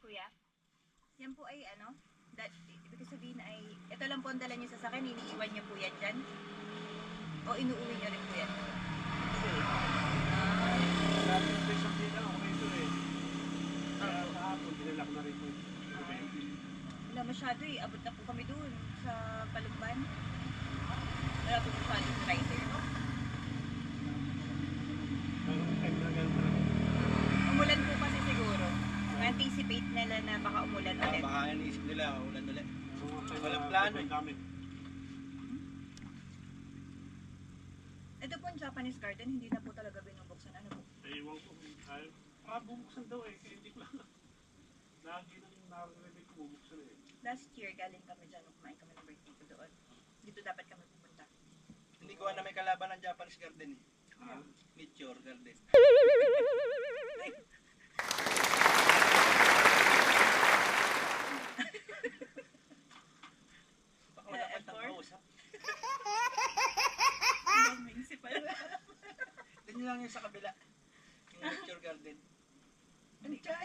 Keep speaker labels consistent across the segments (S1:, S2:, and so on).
S1: kuya? Yan po ay ano? Ibig sabihin ay, ito lang po ang dala niyo sa sakin, iniiwan niyo po yan dyan? O inuuwi niyo rin po yan?
S2: Sabi ng isang din ako rito eh. Kaya kahapon, dinala ko na rin po.
S1: Wala masyado eh, abot na po kami doon sa Palumban. Wala po masyadong rider. Umulan po kasi siguro. Anticipate nila na baka umulan ulit.
S3: Baka inisip nila, ulan ulit. Walang plano eh.
S1: Ito po ang Japanese garden, hindi na po talaga binubuksan. Ano po?
S2: Ewan ko. Bubuksan daw eh. Kaya hindi ko lang. Lagi nang narinig ko bubuksan eh.
S1: Last year, galing kami dyan, kumain kami ng birthday ko doon. Dito dapat kami pupunta.
S3: Hindi ko na may kalaban ng Japanese garden eh. Nature garden. Baka wala pa tayong kausap.
S1: Ang municipal.
S3: Ganyan lang yung sa kabila. Yung nature garden. Anchay!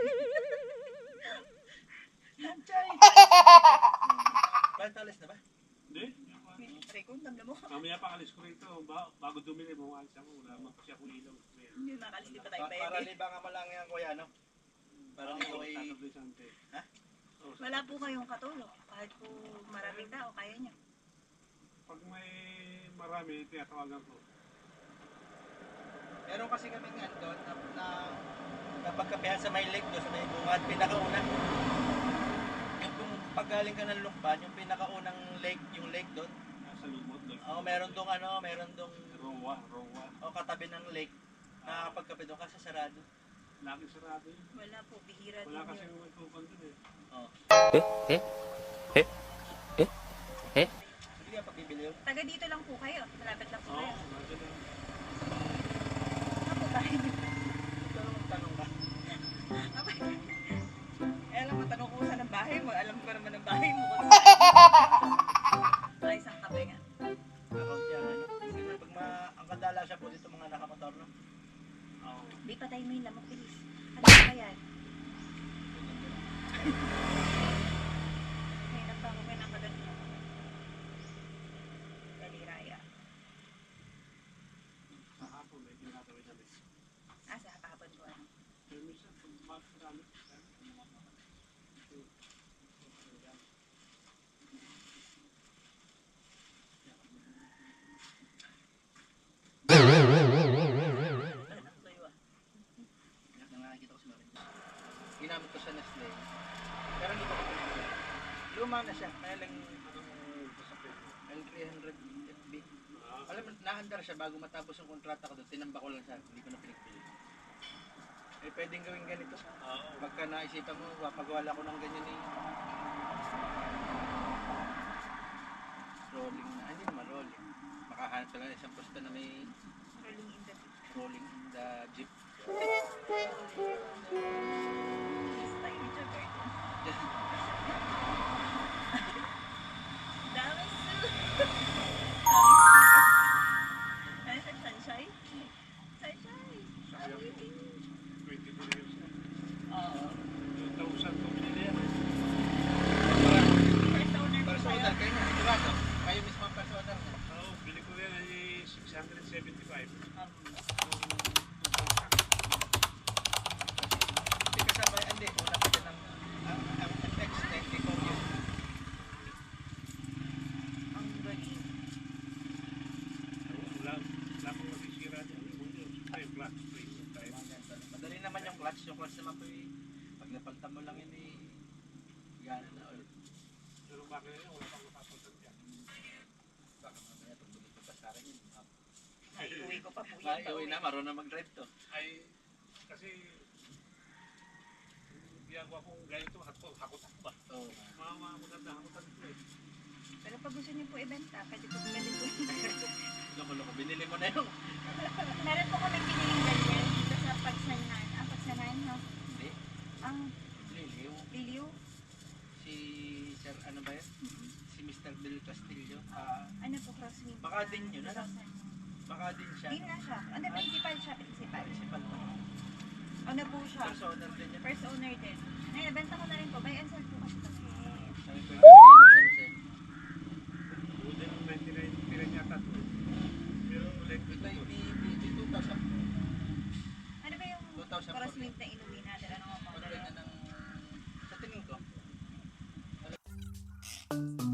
S3: Anchay! Bakit alis na ba?
S2: Hindi.
S1: Rico, tamla mo.
S2: Mamaya pa alis ko rito. Bago dumili mo, alis ako. Wala naman kasi ako ilaw.
S1: Hindi makalis, di pa tayo
S3: Para
S1: pwede.
S3: libangan mo lang yan, kuya, no? Para ikaw ay... Ha?
S1: Wala po kayong katulong. Kahit po maraming tao, kaya niya.
S2: Pag may marami, tinatawagan ko.
S3: Meron kasi kami nga doon na napagkapihan sa may lake doon, sa may bungad, pinakauna. Yung kung paggaling ka ng Lukban, yung pinakaunang lake, yung lake doon.
S2: Sa lumot doon.
S3: Meron dong meron dong
S2: Rowa.
S3: katabi ng lake. Nakakapagkape doon kasi sarado.
S2: Lagi sarado yun.
S1: Wala po, bihira din
S2: Wala kasi
S1: yun.
S2: yung tupan doon eh.
S3: Oh. Hindi ka pagbibili yun.
S1: Taga dito lang po kayo. Malapit lang po
S2: Oo,
S1: kayo.
S2: nandiyan lang.
S1: Ano po tayo?
S3: Ito lang tanong ka.
S1: Alam mo, tanong ko saan ang bahay mo. Alam ko naman ang bahay mo. Sa isang kape nga.
S3: Account yan, ano? Kasi pag ang kadala siya po dito mga nakamotor, no?
S2: Oo.
S1: Di patay mo yung lamok, bilis. Ano ba yan? May nagtango kayo ng kaganito. Daliraya.
S2: Sa hapon, may ginagawin namin.
S1: Sa hapon ko ano.
S2: Pero minsan, pag marami,
S1: Anak tuyo ah.
S3: Nakakita ko si Marin. Ginamit ko sa Nestle. Pero hindi ko pa pinili. Luma na siya. Kaya lang L300 FB. Alam mo, nahandar siya bago matapos yung kontrata ko doon. Tinamba ko lang siya. Hindi ko na pinagpili. Eh, pwedeng gawin ganito. Pagka naisipan mo, papagawa ko ng ganyan eh. Rolling na. Hindi naman rolling. Makahanap ka lang isang posta na may
S1: Rolling in the beach.
S3: rolling in the jeep.
S1: This time it's a garden. Dami su. Ano sa sunshine? Sunshine.
S2: sabi ako, 22 years na.
S1: Oo.
S2: 2,000 ko pinili yan.
S1: First owner po
S3: Personal
S1: kayo.
S3: kayo na. Sigurado. Kayo mismo ang personal mo.
S2: Oo, bili ko yan ay 675.
S3: Hindi kasama, hindi. Una pa din ang FX 94 yun.
S1: Ang galing.
S2: Wala akong masisira dyan. Ay, black spray.
S3: Madali naman yung clutch. Yung clutch naman po pag napalta mo lang yun gana na ulit.
S2: Pero bakit yun, wala pang mapapagod dyan.
S3: Baka mamaya pag bumito pa sa akin yun.
S1: Ay, uwi ko pa po yan.
S3: Uwi na, marunong mag-drive to.
S2: Ay, kasi ginagawa kong ganito, hakot ba?
S3: Oo.
S2: Mga maganda, hakotan ko eh.
S1: Pero pag gusto niyo po ibenta, pwede po.
S3: Loko-loko, binili mo na yung...
S1: Meron po kami piniling ganyan dito sa Pagsanan. Pagsanan, no?
S3: Hindi.
S1: Ang
S3: Liliw.
S1: Liliw.
S3: Si Sir, ano ba yun? Si Mr. Bill Castillo.
S1: Ano po, crosswind?
S3: Baka din yun, ano? Baka din siya.
S1: Di na siya. Ano, principal siya, principal.
S3: Principal pa.
S1: Ano po siya?
S3: Personal din yan.
S1: First owner din. Ngayon, benta ko na rin po. Buy and sell po kasi kami.
S3: Sabi ko yung pinili sa Lucen.
S2: Wooden 99 pila yata ito. Pero ulit
S3: Ito yung BBT 2000.
S1: Ano ba yung
S3: 2,000
S1: crosswind na inuwi natin? Ano nga
S3: Pag
S1: model?
S3: ganyan ng... Sa tingin ko.